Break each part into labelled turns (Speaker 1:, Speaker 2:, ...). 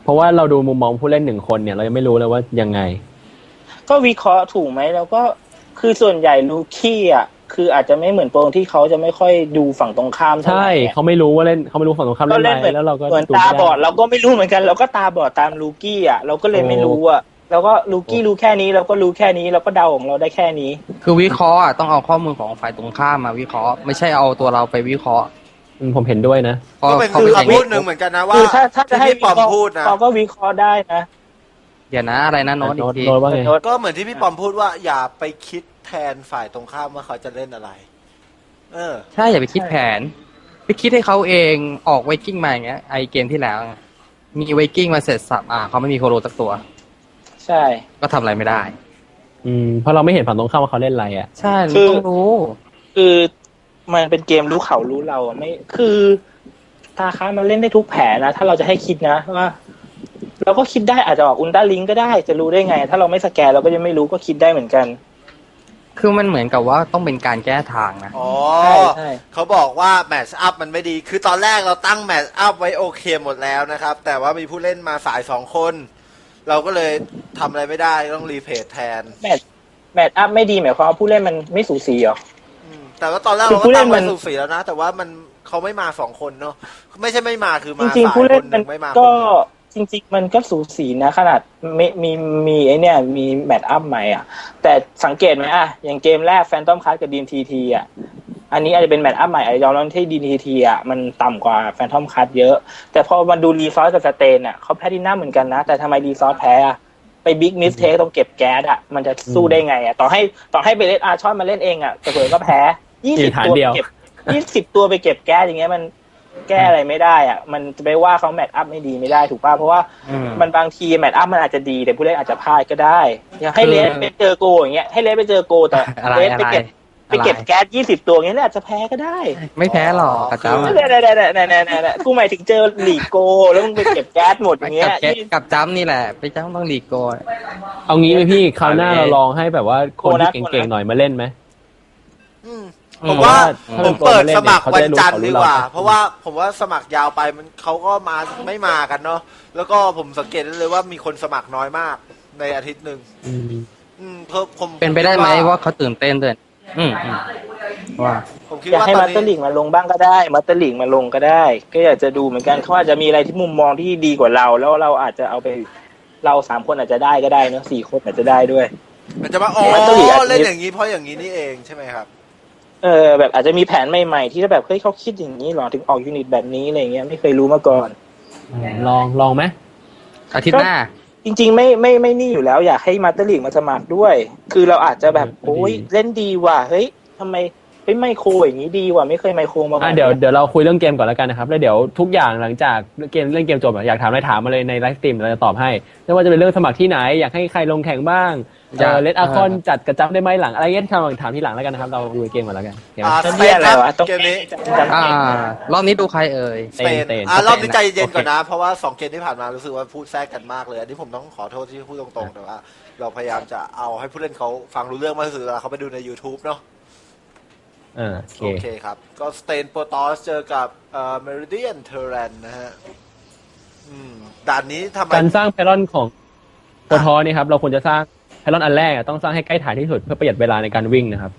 Speaker 1: เพราะว่าเราดูมุมมองผู้เล่น1 คนเนี่ยเรายังไม่รู้เลยว่ายังไง
Speaker 2: ก็วิเคราะห์ถูกไหมแล้วก็คือส่วนใหญ่ลูคี้อ่ะคืออาจจะไม่เหมือนโปรที่เขาจะไม่ค่อยดูฝั่งตรงข้ามเท่าไหร่
Speaker 1: ใช่เขาไม่รู้ว่าเล่นเขาไม่รู้ฝั่งตรงข้ามเล่นอะไรแล้วเราก็
Speaker 2: เหมือนตาบอดเราก็ไม่รู้เหมือนกันเราก็ตาบอดตามลูกี้อ่ะเราก็เลยไม่รู้อ่ะเราก็ลูกี้รู้แค่นี้เราก็รู้แค่นี้เราก็เดาของเราได้แค่นี้
Speaker 3: คือวิเคราะห์ต้องเอาข้อมูลของฝ่ายตรงข้ามมาวิเคราะห์ไม่ใช่เอาตัวเราไปวิเคราะห์
Speaker 1: ผมเห็นด้วยนะ
Speaker 4: ก็เป็นคำพูดหนึ่งเหมือนกันนะว่า
Speaker 2: ถ้าจะให้พี่ปอมพูดนะเขาก็วิเคราะห์ได้นะ
Speaker 3: เดี๋ยวนะอะไรนะโน้ตอีกที
Speaker 4: ก็เหมือนที่พี่ปอมพูดว่าอย่าไปคิดแทนฝ่ายตรงข้ามว่าเขาจะเล่นอะไร
Speaker 3: ใช่อย่าไปคิดแผนไปคิดให้เขาเองออกไวกิ้งมาอย่างเงี้ยไอเกมที่แล้วมีไวกิ้งมาเสร็จสับเขาไม่มีโคโรสักตัว
Speaker 2: ใช่
Speaker 3: ก็ทำอะไรไม่ได้
Speaker 1: เพราะเราไม่เห็นฝั่งตรงข้ามว่าเขาเล่นอะไรอ่ะ
Speaker 3: ใช่ต้องรู้
Speaker 2: คือมันเป็นเกมรู้เขารู้เราไม่คือตาค้ามันเล่นได้ทุกแผนนะถ้าเราจะให้คิดนะว่าเราก็คิดได้อาจจะออกอุลตร้าลิงก็ได้จะรู้ได้ไงถ้าเราไม่สแกนเราก็จะไม่รู้ก็คิดได้เหมือนกัน
Speaker 3: คือมันเหมือนกับว่าต้องเป็นการแก้ทางนะ
Speaker 4: ใช่เขาบอกว่าแมทช์อัพมันไม่ดีคือตอนแรกเราตั้งแมทช์อัพไว้โอเคหมดแล้วนะครับแต่ว่ามีผู้เล่นมาสาย2 คนเราก็เลยทำอะไรไม่ได้ต้องรีเพลย์แทน
Speaker 2: แมทช์อัพไม่ดีหมายความว่าผู้เล่นมันไม่สูสีเหรอ
Speaker 4: แต่ว่าตอนแรกเราก็ตั้งไว้สูสีแล้วนะแต่ว่ามันเขาไม่มา2 คนเนาะไม่ใช่ไม่มาคือมา
Speaker 2: จริงๆผู้เล่นมันก็จริงๆมันก็สูสีนะขนาดมีไอเนี่ยมีแมทอัพใหม่อ่ะแต่สังเกตไหมอย่างเกมแรกแฟนตอมคัสกับดีมทีทีอ่ะอันนี้อาจจะเป็นแมทอัพใหม่อาจจะยอมรับที่ดีมทีทีอ่ะมันต่ำกว่าแฟนตอมคัสเยอะแต่พอมาดูรีซอสกับสเตนอ่ะเขาแพ้ที่หน้าเหมือนกันนะแต่ทำไมรีซอสแพ้ไปบิ๊กมิสเทคต้องเก็บแก๊สอ่ะมันจะสู้ได้ไงอ่ะต่อให้ไปเล่นอาร์ชอนมาเล่นเองอ่ะแต่เผลอก็แพ้20 ตัวเก็บ20 ตัวไปเก็บแก๊สอย่างเงี้ยมันแก้อะไรไม่ได้อ่ะมันจะไปว่าเขาแมทอัพไม่ดีไม่ได้ถูกป่ะเพราะว่ามันบางทีแมทอัพมันอาจจะดีแต่ผู้เล่นอาจจะพลาดก็ได้อย่างให้เลสไปเจอโกอย่างเงี้ยให้เลสไปเจอโกแต่เลสไปเก็บแก๊ส20 ตัวอย่างเงี้ยอาจจะแพ้ก็ได้
Speaker 3: ไม่แพ้หรอกกระจ้ำ
Speaker 2: เนี่ยกูหมายถึงเจอลีโกแล้วมึงไปเก็บแก๊สหมดอย่างเงี้ย
Speaker 3: กับจ้ำนี่แหละไปจ้ำต้องลีโก
Speaker 1: เอางี้ไหมพี่คราวหน้าเราลองให้แบบว่าคนที่เก่งๆหน่อยมาเล่นไหม
Speaker 4: ผมว่าผมเปิดสมัครวันจันทร์ดีกว่าเพราะว่าผมว่าสมัครยาวไปมันเขาก็มาไม่มากันเนาะแล้วก็ผมสังเกตได้เลยว่ามีคนสมัครน้อยมากในอาทิตย์หนึ่ง
Speaker 3: ผมเป็นไปได้ไหมว่าเขาตื่นเต้นด้วย
Speaker 2: ว่าผมคิดว่าให้มาสเตอร์ลิงมาลงบ้างก็ได้มาสเตอร์ลิงมาลงก็ได้ก็อยากจะดูเหมือนกันเขาอาจจะมีอะไรที่มุมมองที่ดีกว่าเราแล้วเราอาจจะเอาไปเรา3 คนอาจจะได้ก็ได้เนาะ4 คนอาจจะได้ด้วย
Speaker 4: มันจะมาเล่นอย่างนี้เพราะอย่างนี้นี่เองใช่ไหมครับ
Speaker 2: แบบอาจจะมีแผนใหม่ๆที่แบบเฮ้ยเขาคิดอย่างนี้หรอถึงออกยูนิตแบบนี้อะไรเงี้ยไม่เคยรู้มาก่อน
Speaker 1: ลองไหม
Speaker 3: อาทิตย์หน้า
Speaker 2: จริงๆไม่นี่อยู่แล้วอยากให้มาสเตอร์ลีกมาสมัครด้วยคือเราอาจจะแบบโอ้ยเล่นดีว่ะเฮ้ยทำไมไมโครอย่างนี้ดีว่ะไม่เคยไมโครมาก่อน
Speaker 1: เดี๋ยวเราคุยเรื่องเกมก่อนแล้วกันนะครับแล้วเดี๋ยวทุกอย่างหลังจากเล่นเกมจบอยากถามอะไรถามมาเลยในไลฟ์สตรีมเราจะตอบให้ไม่ว่าจะเป็นเรื่องสมัครที่ไหนอยากให้ใครลงแข่งบ้างเลดอาคอนจัดกระจับได้ไหมหลังอะไรเงี้ยถามที่หลังแล้วกันนะครับเราดูเกมก่อนแล้วกัน
Speaker 4: สเปนอะไรวะเกมนี้
Speaker 3: รอบนี้ดูใครเอ่ย
Speaker 4: สเปนรอบนี้ใจเย็นก่อนนะเพราะว่า2 เกมที่ผ่านมารู้สึกว่าพูดแทรกกันมากเลยอันนี้ผมต้องขอโทษที่พูดตรงๆแต่ว่าเราพยายามจะเอาให้ผู้เล่นเขาฟังรู้เรื่องมากที่สุดเวลาเขาไปดูใน YouTube เนาะโอเคครับก็สเตนโปรตอสเจอกับเมริเดียนเทเรนนะฮะด่านนี้ทำไม
Speaker 1: การสร้างไพลอนของโปรตอสนี่ครับเราควรจะสร้างไพลอนอันแรกต้องสร้างให้ใกล้ฐานที่สุดเพื่อประหยัดเวลาในการวิ่งนะครับ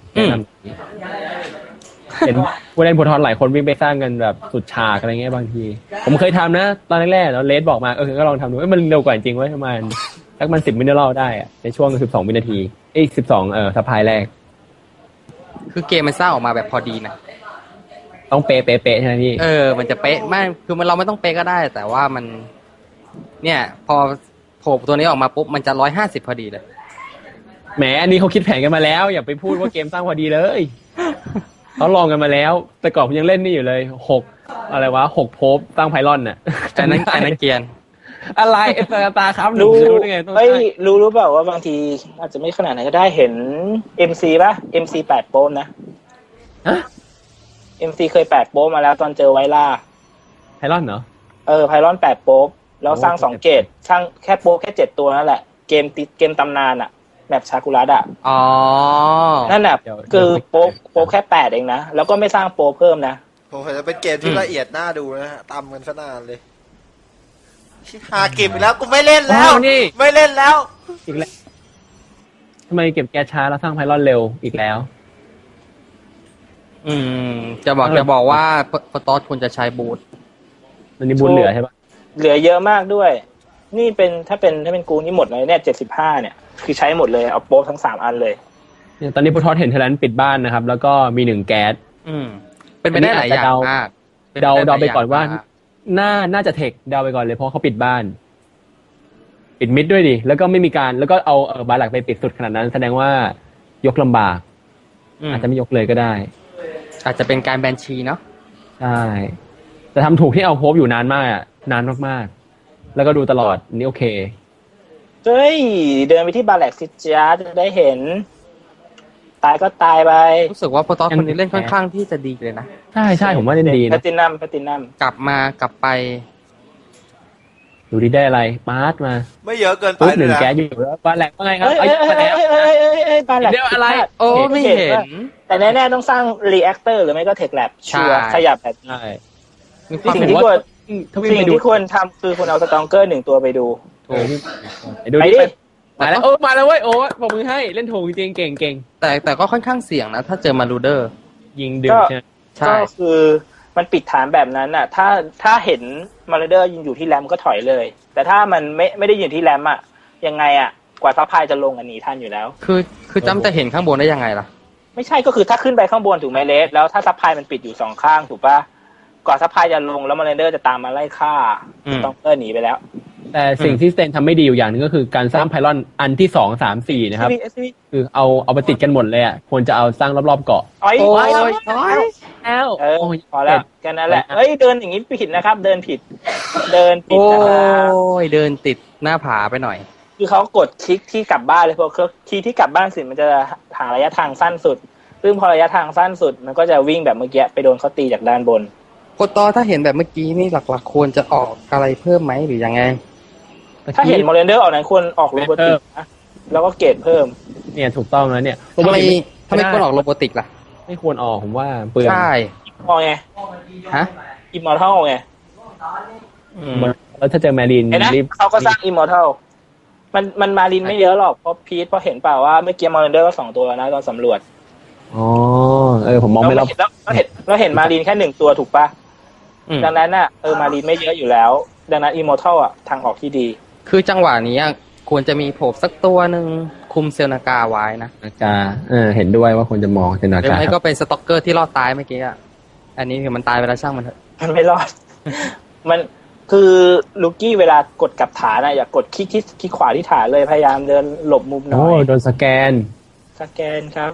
Speaker 1: เห็นผู้เล่นโปรตอสหลายคนวิ่งไปสร้างกันแบบสุดฉากอะไรเงี้ยบางทีผมเคยทำนะตอนแรกๆแล้วเลสบอกมาก็ลองทำดูมันเร็วกว่าจริงเว้ยประมาณสักมัน10 มินิเมตรได้ในช่วง12 วินาที12สะพายแรก
Speaker 3: คือเกมมันสร้างออกมาแบบพอดีนะ
Speaker 1: ต้องเป๊ะใช่ไหมพี่
Speaker 3: มันจะเป๊ะไม่คือเราไม่ต้องเป๊ะก็ได้แต่ว่ามันเนี่ยพอโผล่ตัวนี้ออกมาปุ๊บมันจะ150พอดีเลย
Speaker 1: แหมอันนี้เขาคิดแผนกันมาแล้วอย่าไปพูดว่าเกมสร้างพอดีเลยเขาลองกันมาแล้วแต่ก่อนผมยังเล่นนี่อยู่เลย6อะไรวะ6โพบตั้งไพลอนน่ะ
Speaker 3: แต่นั้นเกียน
Speaker 1: อะไรตาครับ
Speaker 2: รู้ได้ไงรู้เปล่าว่าบางทีอาจจะไม่ขนาดไหนก็ได้เห็น MC ป่ะ MC 8โป๊มนะMC เคย8โป๊มมาแล้วตอนเจอไวล่า
Speaker 1: ไพลอนเหรอ
Speaker 2: ไพลอน8โป๊มแล้วสร้าง2 เกตสร้างแค่โป๊แค่7 ตัวนั่นแหละเกมตำนานอะแบบชากุระอ่ะนั่นแหละคือโป๊แค่8เองนะแล้วก็ไม่สร้างโป๊เพิ่มนะ
Speaker 4: ผมเห็นจะเป็นเกมที่ละเอียดน่าดูนะฮะตำกันซะนานเลยหาเก็บไปแล้วกูไม่เล่นแล้ว
Speaker 1: นี่
Speaker 4: ไม่เล่นแล้ว
Speaker 1: อีกแล้วทำไมเก็บแก๊สช้าแล้วสร้างไพลอนเร็วอีกแล้ว
Speaker 3: อืมจะบอกว่าโปรตอสควรจะใช้บูท
Speaker 1: มันนี่บุญเหลือใช่ปะ
Speaker 2: เหลือเยอะมากด้วย นี่เป็นถ้าเป็นกูนี่หมดเลยเนี่ย75เนี่ยคือใช้หมดเลยเอาโป๊ทั้ง3อันเลย
Speaker 1: เนี่ยตอนนี้พุทธเห็นเทเลนปิดบ้านนะครับ แล้วก็มี1แก๊ส
Speaker 3: เป็นไปได้หลายอย่างมาก
Speaker 1: เดาไปก่อนว่า น่าจะเทคเดาไปก่อนเลยเพราะเขาปิดบ้าน ปิดมิดด้วยดิแล้วก็ไม่มีการแล้วก็เอาบาร์หลักไปปิดสุดขนาดนั้น แสดงว่ายกลำบาก อาจจะไม่ยกเลยก็ได้
Speaker 3: อาจจะเป็นการแบนชีเนาะ
Speaker 1: ใช่แต่ทำถูกที่เอาโฮปอยู่นานมากอะนานมากๆแล้วก็ดูตลอดนี่โอเค
Speaker 2: เฮ้ยเดินไปที่บาแลกซิจ้าจะได้เห็น ตายก็ตายไป
Speaker 3: รู้สึกว่าโปรตอสคนนี้เล่นค่อนข้างที่จะดีเลยนะ
Speaker 1: ใช่ผมว่าเล่นดี
Speaker 2: แพ
Speaker 1: นะ
Speaker 2: ตินัม
Speaker 3: กลับไป
Speaker 1: ดูดีได้อะไรปาร์ตมา
Speaker 4: ไม่เยอะเกินไป
Speaker 1: ปุ๊บห
Speaker 4: เล
Speaker 1: นึ่
Speaker 4: ย
Speaker 1: ง
Speaker 4: นะ
Speaker 1: แก๊สอยู่แล้วบาร์แหลกว่าไงครับ
Speaker 2: เอ้ย
Speaker 1: มาแล้ว
Speaker 2: บาแลก
Speaker 1: เดี๋ยวอะไร
Speaker 3: โอ้ไม่เห็น
Speaker 2: แต่แน่ๆต้องสร้างรีแอคเตอร์หรือไม่ก็เทคแลบชัวร์
Speaker 3: ใช่
Speaker 2: ขยับแบบ
Speaker 1: ใช่
Speaker 3: มีความ
Speaker 2: สิ่ง
Speaker 3: เห็น
Speaker 2: ที่
Speaker 3: ว่า
Speaker 2: ควร
Speaker 1: ถ้าวิ่ง
Speaker 2: สิ่ง
Speaker 1: ไปดู
Speaker 2: ที่ควรทำคือคุณเอาสตองเกอร์1ตัวไปดู
Speaker 1: ไปดู
Speaker 2: ไป
Speaker 1: ดิ
Speaker 2: ดิ
Speaker 1: มาแล้วมาแล้วเว้ยโอ้บอกมือให้เล่นถูกจริงเก่ง
Speaker 3: แต่ก็ค่อนข้างเสี่ยงนะถ้าเจอมารูเดอร์
Speaker 1: ยิงดึงใช่ไหม
Speaker 3: ใช่
Speaker 2: ก็คือมันปิดฐานแบบนั้นน่ะ ถ้าเห็นมาร์เดอร์ยิงอยู่ที่แรมก็ถอยเลย แต่ถ้ามันไม่ได้ยิงที่แรมอ่ะยังไงอ่ะกว่าซัพพลายจะลงอันนี้ทันอยู่แล้ว
Speaker 3: คือจำจะเห็นข้างบนได้ยังไงล่ะ
Speaker 2: ไม่ใช่ก็คือถ้าขึ้นไปข้างบนถูกไหมเลสแล้วถ้าซัพพลายมันปิดอยู่2ข้างถูกปะก่อนซัพพลายจะลงแล้วมาร์เดอร์จะตามมาไล่ฆ่า
Speaker 3: อืม
Speaker 2: สตองเกอร์หนีไปแล้ว
Speaker 1: แต่สิ่งที่สเตนทำไม่ดีอยู่อย่างหนึงก็คือการสร้างไพลอนอันที่2 3 4นะครับ
Speaker 2: SCV
Speaker 1: คือเอาไปติดกันหมดเลยอ่ะควรจะเอาสร้างรอบๆเกาะ
Speaker 2: อ้อย
Speaker 3: โอ้ย
Speaker 2: อ้อย
Speaker 1: แล้ว
Speaker 2: เออพอแล้วแค่นั้นแหละเฮ้ยเดินอย่างนี้ผิดนะครับ เดินผิด เดินผิด
Speaker 3: โอ้
Speaker 2: นะครับ
Speaker 3: ยเดินติดหน้าผาไปหน่อย
Speaker 2: คือเขากดคลิกที่กลับบ้านเลยพอคลิกที่กลับบ้านเสร็จมันจะหาระยะทางสั้นสุด ซึ่งพอระยะทางสั้นสุดมันก็จะวิ่งแบบเมื่อกี้ไปโดนเขาตีจากด้านบน
Speaker 3: โปรตอสถ้าเห็นแบบเมื่อกี้นี่หลักๆควรจะออกอะไรเพิ่มไหมหรือยังไง
Speaker 2: ถ้าเห็นมอร์เรนเดอร์ออกนั้นควรออกโรบอติกนะแล้วก็เกรดเพิ่ม
Speaker 1: เนี่ยถูกต้องแล้วเนี่ย
Speaker 3: ทำไมควรออกโรบอติกล่ะ
Speaker 1: ไม่ควรออกผมว่าเปลือง
Speaker 3: ใช่
Speaker 2: มองไง
Speaker 3: ฮะ
Speaker 2: อิมมอร์ทัลไง
Speaker 1: แล้วถ้าเจอแมรีน
Speaker 2: เห็นนะ
Speaker 1: รีบ
Speaker 2: เขาก็สร้างอิมมอร์ทัลมันมารินไม่เยอะหรอกเพราะพีทเพราะเห็นเปล่าว่าเมื่อกี้มอร์เรนเดอร์ก็2ตัวแล้วนะตอนสำรวจ
Speaker 1: อ๋อผมมองไม่รอบ
Speaker 2: เราเห็นมารินแค่1ตัวถูกปะ
Speaker 3: อืม
Speaker 2: ดังนั้นน่ะมารีนไม่เยอะอยู่แล้ว ดังนั้นอิมมอร์ทัลอ่ะทางออกที่ดี
Speaker 3: คือจังหวะนี้ควรจะมีโผล่สักตัวหนึ่งคุมเซลนากาไว้นะ
Speaker 1: นาคาเห็นด้วยว่าควรจะมองเป็นนา
Speaker 3: หรือ
Speaker 1: คา
Speaker 3: ไม่
Speaker 1: ค
Speaker 3: ก็
Speaker 1: รับ
Speaker 3: เป็นสต็อกเกอร์ที่รอดตายเมื่อกี้อ่ะอันนี้คือมันตายไปแล้วช่างมันเถอะ
Speaker 2: มันไม่รอด มันคือลูกี้เวลากดกลับฐานอะอย่ากดคลิกขวาที่ฐานเลยพยายามเดินหลบมุมหน่
Speaker 1: โอ้
Speaker 2: อย
Speaker 1: โดนสแกน
Speaker 2: สแกนครับ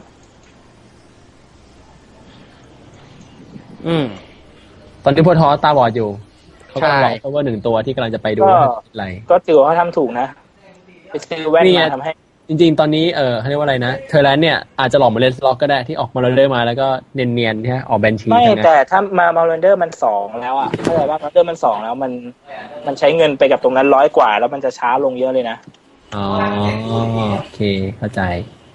Speaker 3: อืม
Speaker 1: ตอนที่พวกท้อตาบอดอยู่เขาก็
Speaker 3: ใช่
Speaker 1: รอเพราะว่า1ตัวที่กำลังจะไปดู
Speaker 2: ก็
Speaker 1: ว่าเป็นอะไร
Speaker 2: ก็ถือว่าเขาทำถูกนะไปซื้อแว่น
Speaker 1: นี่ไง
Speaker 2: มาทำให้
Speaker 1: จริงๆ ตอนนี้เขาเรียกว่าอะไรนะเทอร์แลนด์เนี่ยอาจจะหลอกมาเล่นสล็อกก็ได้ที่ออกมาเรื่อยๆมาแล้วก็เนียนๆใช่ไหมออกแบนชี
Speaker 2: ไม่
Speaker 1: ทั้งนั้น
Speaker 2: แต่ถ้ามาเรนเดอร์มัน2แล้วอ่ะเข้าใจว่ามาเรนเดอร์มัน2แล้วมันใช้เงินไปกับตรงนั้น100 กว่า แล้วมันจะช้าลงเยอะเลยนะ
Speaker 1: อ๋อโอเคเข้าใจ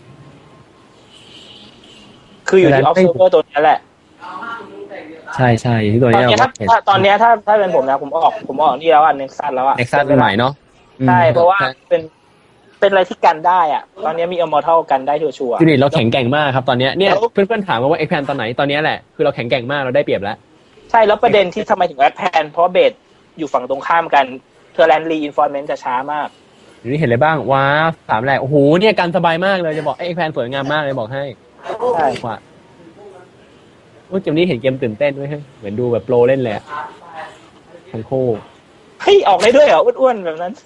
Speaker 2: คืออยู่ที่ observer ตัวนี้แหละ
Speaker 1: ใช่ใช่ที่ตัว
Speaker 2: ตอน
Speaker 1: นี้
Speaker 2: นี้
Speaker 1: เรา
Speaker 2: ถ้าตอนนี้ถ้าเป็นผมนะผมออกนี่แล้วอ่ะเน็กซัสแล้วอ่ะ
Speaker 1: เน็กซัสใหม่เนาะ
Speaker 2: ใช่เพราะว่าเป็นอะไรที่กันได้อ่ะตอนนี้มีอมอร์ทัลกันได้ชัวร์
Speaker 1: ยูนิตเราแข็งแกร่งมากครับตอนเนี้ยเนี่ยเพื่อนๆถามมาว่าเอ็กแพนตอนไหนตอนเนี้ยแหละคือเราแข็งแกร่งมากเราได้เปรียบแล้ว
Speaker 2: ๆใช่แล้วประเด็นที่ทำไมถึงแอดแพนเพราะเบสอยู่ฝั่งตรงข้ามกันเทอร์แลนด์รีอินฟอร์เมนต์จะช้ามาก
Speaker 1: เดี๋ยวนี้เห็นอะไรบ้างว้าวถามแหละโอ้โหเนี่ยการสบายมากเลยจะบอกเอ็กแพนสวยงามมากเลยบอกให้
Speaker 2: ใช่
Speaker 1: ว่าโอ้เกมนี้เห็นเกมตื่นเต้นด้วยเฮ้ยเหมือนดูแบบโปรเล่นเลยอะทั้งคู่
Speaker 2: เฮ้ยออกได้ด้วยเหรออ้วนๆแบบนั้น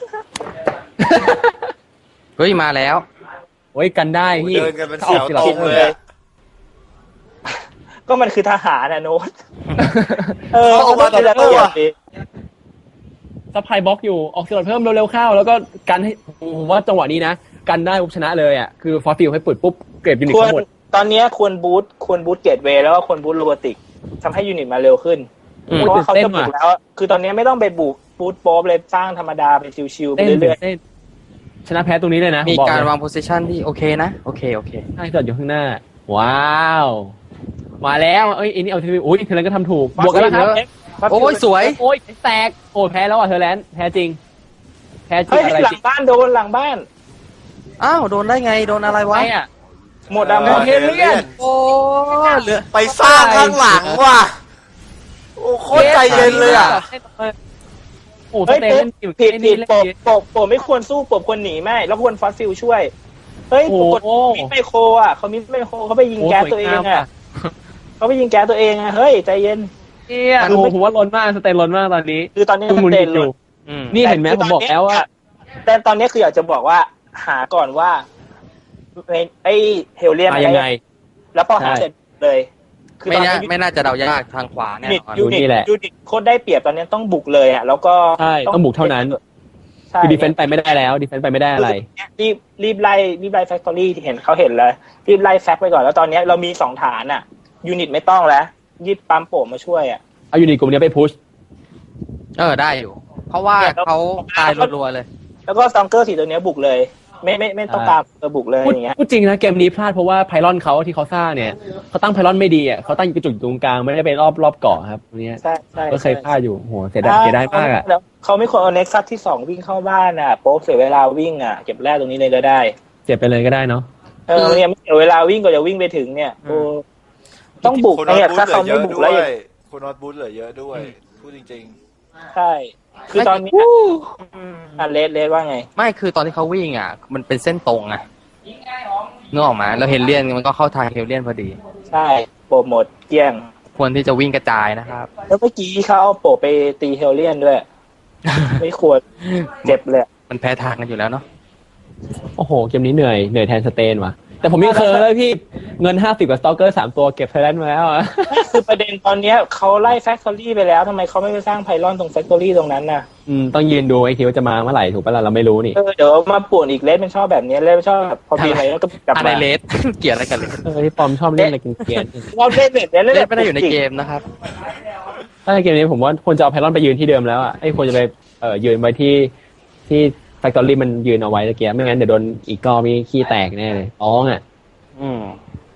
Speaker 3: เฮ้ยมาแล้ว
Speaker 1: โอ้ยกันได้พี่
Speaker 4: เดินกันเป็นแถวตรงเลยอะ
Speaker 2: ก็มันคือทหารนะโน้ตเออ
Speaker 4: เขาออกมา
Speaker 2: จะ
Speaker 4: แต่ละตัว
Speaker 2: ดี
Speaker 1: ซัพพลายบล็อกอยู่ออกสลดเพิ่มเร็วๆเข้าแล้วก็กันให้ผมว่าจังหวะนี้นะกันได้ปุ๊บชนะเลยอ่ะคือฟอสฟิลให้เปิดปุ๊บเก็บยูนิต
Speaker 2: ควร
Speaker 1: ทั้งหมด
Speaker 2: ตอนนี้ควรบูทเกตเวย์แล้วก็ควรบูทโรบอติกทำให้ยูนิตมาเร็วขึ้น
Speaker 3: อืม
Speaker 2: เพราะว่าเขาจะบุกแล้ว คือตอนนี้ไม่ต้องไปบุกบูทโป๊บเลยสร้างธรรมดาไปชิวๆไป
Speaker 1: เต้น
Speaker 2: เรื่อย
Speaker 1: เต้นชนะแพ้ตรงนี้เลยนะ
Speaker 3: มี
Speaker 1: ผมบอก
Speaker 3: การ
Speaker 1: เลยว
Speaker 3: างโพสิชันที่โอเคนะโอเค
Speaker 1: ใช่จอดอยู่ข้างหน้า ว้าว มาแล้วเอ้ยอันนี้เอาทีวีอุ้ยเทเลนก็ทำถูกบวกกันแล้วครับ
Speaker 2: ๆฟ
Speaker 3: โอ้ยสวย
Speaker 1: โอ้ยแตกโอ้แพ้แล้วอ่ะเธอแลนด์แพ้จริงแพ้จริ
Speaker 2: เฮ้
Speaker 1: ง
Speaker 2: ย
Speaker 1: อะไร
Speaker 2: หลั
Speaker 1: จ
Speaker 2: ง
Speaker 1: ริง
Speaker 2: บ้านโดนหลังบ้าน
Speaker 3: อ้าวโดนได้ไงโดนอะไรวะ
Speaker 1: ไม่อ่ะ
Speaker 2: หมดอะหมด
Speaker 1: เฮเลียน
Speaker 3: โอ้เหลือ
Speaker 4: ไปสร้างข้างหลังว่ะโอ้โคตรใจเย็นเลยอ่ะ
Speaker 1: โอ้ส
Speaker 2: เฮ้ย
Speaker 1: เต
Speaker 2: ผิ
Speaker 1: เล่
Speaker 2: ด
Speaker 1: นอยู่
Speaker 2: ผิด
Speaker 1: นี่
Speaker 2: ผิด
Speaker 1: เล่น
Speaker 2: โป
Speaker 1: ดี
Speaker 2: โปไม่ควรสู้โปควรหนีไม่แล้วควรฟอสฟิลช่วยเฮ้ย
Speaker 1: โอ้
Speaker 2: ปรากฏ
Speaker 1: โห
Speaker 2: มิดไมโครอ่ะเขามิดไมโครเขาไปยิง
Speaker 1: โอ้
Speaker 2: แก๊ส
Speaker 1: สวย
Speaker 2: ตัวเอง
Speaker 1: งาม
Speaker 2: อ่ะ
Speaker 1: อ่ะ
Speaker 2: เขาไปยิงแก๊สตัวเองอ่ะเฮ้ยใจเย็น
Speaker 1: เนี่ยโอ้โหผมว่าล้นมากสเตนล้นมากตอนนี้
Speaker 2: คือตอนนี้
Speaker 1: คือ
Speaker 2: ส
Speaker 1: มุน
Speaker 2: เต
Speaker 1: กิ
Speaker 2: น
Speaker 1: น
Speaker 2: เล
Speaker 1: อยู่
Speaker 2: ย
Speaker 3: อืม
Speaker 1: นี่เห็นไหมผมบอกแล้วว่า
Speaker 2: แต่ตอนนี้คืออยากจะบอกว่าหาก่อนว่าไอ้เฮลเลียน
Speaker 1: มายังไง
Speaker 2: แล้วพอหา
Speaker 1: ใช่
Speaker 2: เสร็จเลย คือ
Speaker 3: ไม่
Speaker 2: ตอน
Speaker 3: น่า
Speaker 2: นี้
Speaker 3: ไม่น่าจะเดายากทางขวาแน่นอน
Speaker 1: ดูนี่แหละ
Speaker 2: ยูนิตโคตรได้เปรียบตอนนี้ต้องบุกเลยอ่ะแล้วก็
Speaker 1: ใช่ต้องบุกเท่านั้น
Speaker 2: ใช่
Speaker 1: คือดีเฟนต์ไปไม่ได้แล้วดีเฟนต์ไปไม่ได้อะไร
Speaker 2: รีบไล่แฟคทอรี่ที่เห็นเขาเห็นเลยรีบไล่แฟคไปก่อนแล้วตอนนี้เรามี2ฐานอ่ะยูนิตไม่ต้องแล้วยิบปั๊มโป่งมาช่วยอ่ะ
Speaker 1: เอายูนิตกลุ่มนี้ไปพุช
Speaker 3: ได้อยู่ เพราะว่าเขาตายรัวๆเลย
Speaker 2: แล้วก็ซองเกอร์สีตัวนี้บุกเลย ไม่ต้องตามบุกเลยอย่างเงี้ย
Speaker 1: พูดจริงนะเกมนี้พลาดเพราะว่าไพลอนเขาที่เขาสร้างเนี่ยเขาตั้งไพลอนไม่ดีอ่ะเขาตั้งกระจุกตรงกลางไม่ได้ไปรอบเกาะครับตรงนี้
Speaker 2: ใช่ใช่
Speaker 1: ก็เคยพลาดอยู่โหเสียดายมากอ่ะ
Speaker 2: แล้วเขาไม่ควรเอาเน็กซัสที่2วิ่งเข้าบ้านอ่ะโป๊บเสียเวลาวิ่งอ่ะเก็บแรกตรงนี้เลยก็ได้
Speaker 1: เจ็บไปเลยก็ได้เนาะ
Speaker 2: เนี่ยไม่เสียเวลาวิ่งก็จะวิ่งไปถึงเนี่ยโอ้ต้องบุก
Speaker 4: คุณ
Speaker 2: เนี่ย
Speaker 4: น็อต
Speaker 2: ถ้าเขา
Speaker 4: เหลื
Speaker 2: ไม่
Speaker 4: อ
Speaker 2: บุก
Speaker 4: เย
Speaker 2: แล้ว
Speaker 4: อะ
Speaker 2: อ
Speaker 4: ด้
Speaker 2: ย่าง
Speaker 4: วยคุณน็อตบูธเหลือเยอะด้วยพูดจริง
Speaker 2: ใช่ คือตอนนี้เลสว่าไง
Speaker 3: ไม่คือตอนที่เขาวิ่งอ่ะ มันเป็นเส้นตรงอ่ะนึกออกมาแล้วเฮลเลียนมันก็เข้าทางเฮลเลียนพอดี
Speaker 2: ใช่โปรโมทเกลี้ยง
Speaker 3: ควรที่จะวิ่งกระจายนะครับ
Speaker 2: แล้วเมื่อกี้เขาเอาโปรไปตีเฮลเลียนด้วย ไม่ควรเจ็บเลย
Speaker 3: มันแพ้ทางกันอยู่แล้วเนาะ
Speaker 1: โอ้โหเกมนี้เหนื่อยแทนสเตนว่ะแต่ผมยังเคยเลยพี่เงิน50กับสตอกเกอร์3ตัวเก็บไทยแลนด์มาแล้วอ่ะ
Speaker 2: คือประเด็นตอนเนี้ยเขาไล่แฟคทอรี่ไปแล้วทำไมเขาไม่ไปสร้างไพลอนตรงแฟคทอรี่ตรงนั้นน่ะ
Speaker 1: ต้องยืนดูไอ้คิวจะมาเมื่อไหร่ถูกปะล่ะเราไม่รู้นี่
Speaker 2: เดี๋ยวมาป่วนอีกเลสมันชอบแบบนี้เลสมันชอบแบบพอมีอะไรแล้วก็กลับ
Speaker 3: อะไร
Speaker 2: มา
Speaker 3: เลส เกี่ยวอะไรกันเลส
Speaker 1: ที่ปอมชอบเล่นอะไรเกลียด
Speaker 2: เราเล่นแบบนี้
Speaker 3: เลสไม่ได้อยู่ในเกมนะครับ
Speaker 1: ถ้าในเกมนี้ผมว่าควรจะเอาไพลอนไปยืนที่เดิมแล้วอ่ะไอ้ควรจะไปยืนไว้ที่แฟคทอรี่มันยืนเอาไว้ตะเกียบไม่งั้นเดี๋ยวโดนอีกรอบมีขี้แตกแน่เลยร้องอ่ะ
Speaker 3: อืม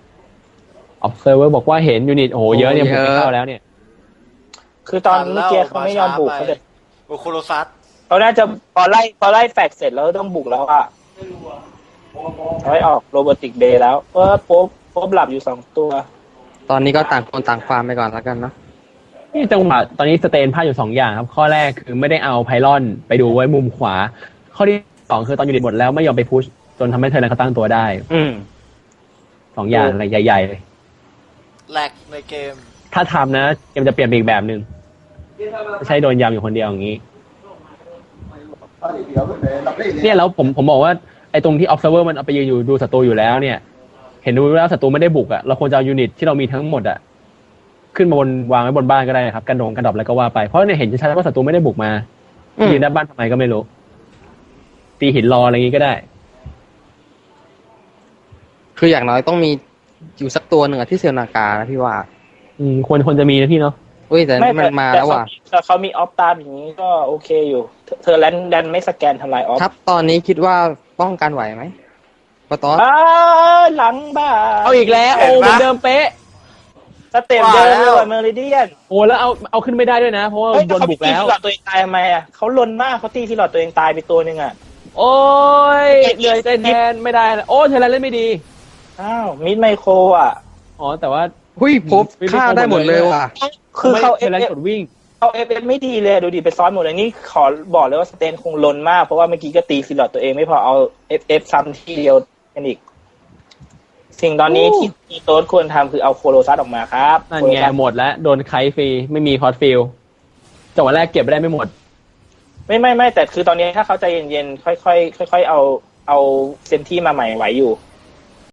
Speaker 1: observer บอกว่าเห็นยูนิตโอ้โหเยอะเนี่ยผมไม่เข้าแล้วเนี่ย
Speaker 2: คือตอนเมื่อกี้เขาไม่ยอมบุกเขาจะ
Speaker 4: ๆโอโคโรซัส
Speaker 2: เขาน่าจะพอไล่แฟกเสร็จแล้วต้องบุกแล้วอ่ะเขาให้ออกโรบอติกเบย์แล้วโป๊บหลับอยู่2ตัว
Speaker 3: ตอนนี้ก็ต่างคนต่างความไปก่อนแล้วกันเนาะ
Speaker 1: นี่จังหวะตอนนี้สเตนพลาดอยู่2อย่างครับข้อแรกคือไม่ได้เอาไพลอนไปดูไว้มุมขวา ข้อที่2คือตอนยูนิตหมดแล้วไม่ยอมไปพุชจนทำให้เธอนั้นเขาตั้งตัวได้
Speaker 3: อืม
Speaker 1: 2อย่างอะไรใหญ่ๆเลย
Speaker 4: แลกในเกม
Speaker 1: ถ้าทำนะเกมจะเปลี่ยนไปอีกแบบหนึ่งไม่ใช่โดนยำอยู่คนเดียวอย่างนี้เนี่ยแล้วผมบอกว่าไอ้ตรงที่ observer มันเอาไปยืนอยู่ดูศัตรูอยู่แล้วเนี่ย เห็นดูแล้วศัตรูไม่ได้บุกอ่ะเราควรจะเอายูนิตที่เรามีทั้งหมดอ่ะขึ้นมาบนวางไว้บนบ้านก็ได้ครับกันดรอปอะไรก็ว่าไปเพราะเนี่ยเห็นชัดๆว่าศัตรูไม่ได้บุกมายืนด้านบ้านทำไมก็ไม่รู้ตีหินรออะไรอย่างงี้ก็ได้
Speaker 3: คืออย่างน้อยต้องมีอยู่สักตัวหนึ่งอะที่เซลนากานะพี่ว่า
Speaker 1: ควรจะมีนะพี่เนาะ
Speaker 3: อุ้ยแต่นี่มันมาแล้วว่ะ
Speaker 2: แต่เขามีออฟตามอย่างนี้ก็โอเคอยู่เธอแลนดันไม่สแกนทำลายออฟ
Speaker 3: ครับตอนนี้คิดว่าป้องกันไหวไหมปะตอส
Speaker 2: หลังบ้า
Speaker 1: เอาอีกแล้วโอ้เหมือนเดิมเป๊ะ
Speaker 2: สเต็ปเดิมเลยว่ะเมอริเดียน
Speaker 1: โอ้แล้วเอาขึ้นไม่ได้ด้วยนะเพราะว่าโดนบุกแล้ว
Speaker 2: เขาตีที่หลอดตัวเองตายทำไมอ่ะเขาลนมากเขาตีที่หลอดตัวเองตายไปตัวหนึ่งอ่ะ
Speaker 1: โอ้ยเหนื่อยใจแทนไม่ได้แล้วโอ้เธอเล่นไม่ดี
Speaker 2: อ้าวมิดไมโครอ่ะ
Speaker 1: อ๋อแต่ว่า
Speaker 3: หุ้ยพบฆ่าได้หมดเลยว่ะ
Speaker 2: คือเขา
Speaker 1: เธอเล่นกดวิ่ง
Speaker 2: เขาเอฟไม่ดีเลยดูดิไปซ้อนหมดเลยนี่ขอบอกเลยว่าสเตนคงลนมากเพราะว่าเมื่อกี้ก็ตีซิลอดตัวเองไม่พอเอาเอฟซ้ำที่เดียวกันอีกสิ่งตอนนี้ที่โต๊ดควรทำคือเอาโคโลซัสออกมาครับ
Speaker 1: นั่นไงหมดแล้วโดนไคฟรีไม่มีคอร์สฟิลจังหวะแรกเก็บไม่ได้ไม่หมด
Speaker 2: ไม่แต่คือตอนนี้ถ้าเขาใจเย็นๆค่อยๆเอาเซนที่มาใหม่ไหวอยู่